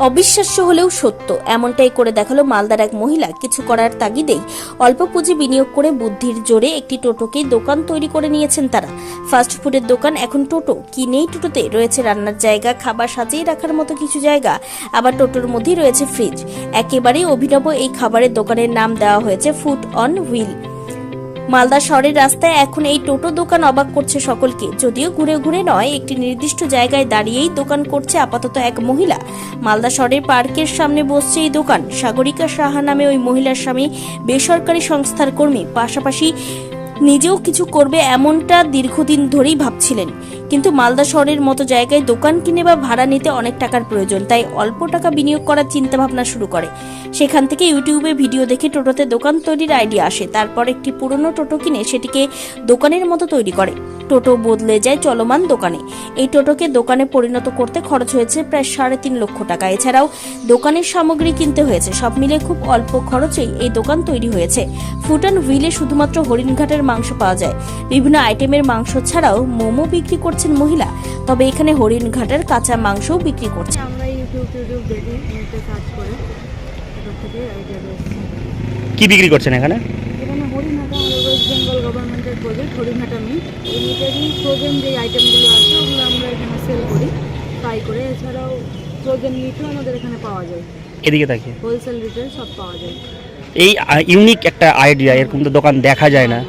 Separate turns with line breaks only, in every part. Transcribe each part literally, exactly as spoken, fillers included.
অবিশ্বাস্য হলেও সত্য, এমনটাই করে দেখালো মালদার এক মহিলা। কিছু করার তাগিদেই অল্প পুঁজি বিনিয়োগ করে বুদ্ধির জোরে একটি টোটোকে দোকান তৈরি করে নিয়েছেন তারা। ফাস্ট ফুডের দোকান এখন টোটো। কি নেই টোটোতে? রয়েছে রান্নার জায়গা, খাবার সাজিয়ে রাখার মতো কিছু জায়গা, আবার টোটোর মধ্যেই রয়েছে ফ্রিজ। একেবারেই অভিনব এই খাবারের দোকানের নাম দেওয়া হয়েছে ফুড অন হুইল। মালদা শহরের রাস্তায় এখন এই টোটো দোকান অবাক করছে সকলকে। যদিও ঘুরে ঘুরে নয়, একটি নির্দিষ্ট জায়গায় দাঁড়িয়েই দোকান করছে আপাতত এক মহিলা। মালদা শহরের পার্কের সামনে বসছে এই দোকান। সাগরিকা সাহা নামে ওই মহিলার স্বামী বেসরকারি সংস্থার কর্মী, পাশাপাশি নিজেও কিছু করবে এমনটা দীর্ঘদিন ধরেই ভাবছিলেন। কিন্তু মালদা শহরের মতো জায়গায় দোকান কিনে বা ভাড়া নিতে অনেক টাকার প্রয়োজন, তাই অল্প টাকা বিনিয়োগ করার চিন্তা ভাবনা শুরু করে। সেখান থেকে ইউটিউবে ভিডিও দেখে টোটোতে দোকান তৈরির আইডিয়া আসে। তারপর একটি পুরনো টোটো কিনে সেটিকে দোকানের মতো তৈরি করে। টোটো বদলে যায় চলমান দোকানে। এই টোটোকে দোকানে পরিণত করতে খরচ হয়েছে প্রায় সাড়ে তিন লক্ষ টাকা। এছাড়াও দোকানের সামগ্রী কিনতে হয়েছে। সব মিলে খুব অল্প খরচেই এই দোকান তৈরি হয়েছে। ফুড অন হুইলে শুধুমাত্র হরিণঘাটের মাংস পাওয়া যায়। বিভিন্ন আইটেমের মাংস ছাড়াও মোমো বিক্রি করছেন মহিলা। তবে এখানে হরিণঘাটের কাঁচা মাংসও বিক্রি করছে।
আমরা ইউটিউব টিউটিউব দেখি, নেটে সার্চ করে এটার থেকে আইডিয়া পেয়েছি।
কি বিক্রি করছেন এখানে?
এখানে হরিণঘাটা আমাদের ওয়েস্ট বেঙ্গল গভর্নমেন্টের প্রজেক্ট হরিণঘাটা মিট। এই মিটেরই ফ্রোজেন যে আইটেমগুলো আছে ওগুলো আমরা এখানে সেল করি ফ্রাই করে। এছাড়াও ফ্রোজেন মিটও আমাদের এখানে পাওয়া যায়।
এদিকে তাকিয়ে
হোলসেল রিটেল সব পাওয়া যায়।
এই ইউনিক একটা আইডিয়া, এরকম তো দোকান দেখা যায় না।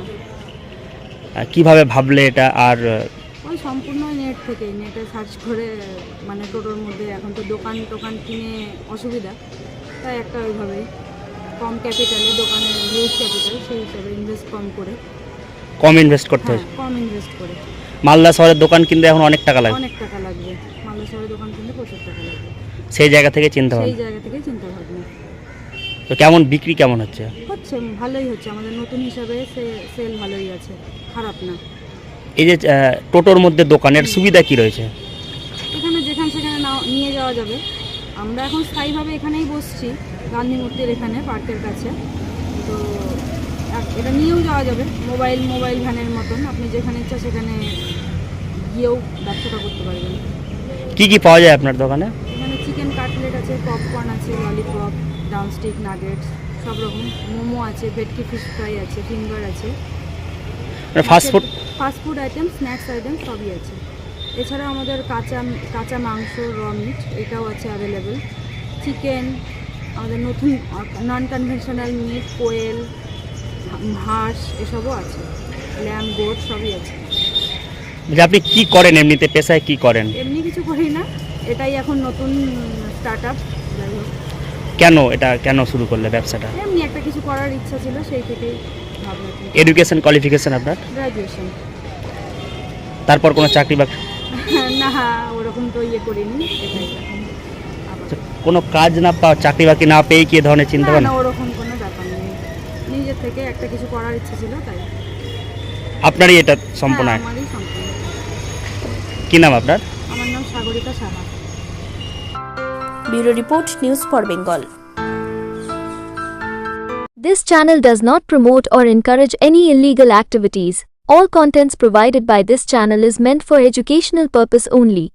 কিভাবে ভাবলে এটা? আর
ওই সম্পূর্ণ নেট থেকে, নেটে সার্চ করে, মানে টোটোর মধ্যে এখন তো দোকান টোকান কিনে অসুবিধা, তাই একটা ওইভাবে কম ক্যাপিটালে দোকানের হিউজ ক্যাপিটাল, সেই হিসাবে ইনভেস্ট কম করে
কম ইনভেস্ট করতে হয়।
কম ইনভেস্ট করে
মালদা শহরের দোকান কিনতে এখন অনেক টাকা লাগে।
অনেক টাকা লাগবে। মালদা শহরে দোকান কিনতে প্রচুর টাকা লাগবে।
সেই জায়গা থেকে চিন্তা
সেই
ভাবনা।
জায়গা থেকে চিন্তা ভাবনা
তো কেমন বিক্রি কেমন হচ্ছে?
হচ্ছে, ভালোই হচ্ছে। আমাদের নতুন হিসাবে সেল ভালোই আছে, খারাপ না।
এই যে টোটোর মধ্যে দোকানের সুবিধা কি রয়েছে?
এখানে যেখানে সেখানে নাও নিয়ে যাওয়া যাবে। আমরা এখন স্থায়ীভাবে এখানেই বসছি, গান্ধী মূর্তির এখানে, পার্কের কাছে। তো এটা নিয়েও যাওয়া যাবে, মোবাইল মোবাইল ভ্যানের মতন। আপনি যেখানে ইচ্ছা সেখানে গিয়েও ব্যবসাটা করতে পারবেন।
কি কি পাওয়া যায় আপনার দোকানে?
এখানে চিকেন কাটলেট আছে, পপকর্ন আছে, ললিপপ, ডাউনস্টিক, নাগেটস, সব রকম। মোমো আছে, ভেটকি ফিশ ফ্রাই আছে, ফিঙ্গার আছে।
Fast food
fast food item, snacks item সবই আছে। এছাড়া আমাদের কাঁচা কাঁচা মাংস, র মিট, এটাও আছে অ্যাভেলেবেল। চিকেন, আমাদের নতুন নন কনভেনশনাল মিট, কোয়েল, হাঁস, এসবও আছে। ল্যাম্ব, গোট সবই আছে।
যে আপনি কি করেন এমনিতে, পেশায় কি করেন?
এমনি কিছু করি না, এটাই এখন নতুন স্টার্ট আপ। যাই হোক,
কেন এটা কেন শুরু করলে ব্যবসাটা?
এমনি একটা কিছু করার ইচ্ছা ছিল, সেই থেকেই ভাবনা।
এডুকেশন কোয়ালিফিকেশন আপনার?
গ্র্যাজুয়েশন।
তারপর কোনো চাকরি বা
না, ওরকম তো ইয়ে করিনি। এটাই এখন আবার।
কোনো কাজ না পাওয়া, চাকরি বাকরি না পেয়ে কি ধরনের চিন্তা
না,
ভাবনা?
না, ওরকম কোনো ব্যাপার নেই। নিজের থেকে একটা কিছু করার ইচ্ছে ছিল, তাই।
আপনারই এটা সম্পূর্ণ?
হ্যাঁ, আমারই সম্পূর্ণ।
কি নাম আপনার?
আমার নাম Sagarika Saha.
Bureau report, news for Bengal.
This channel does not promote or encourage any illegal activities. All contents provided by this channel is meant for educational purpose only.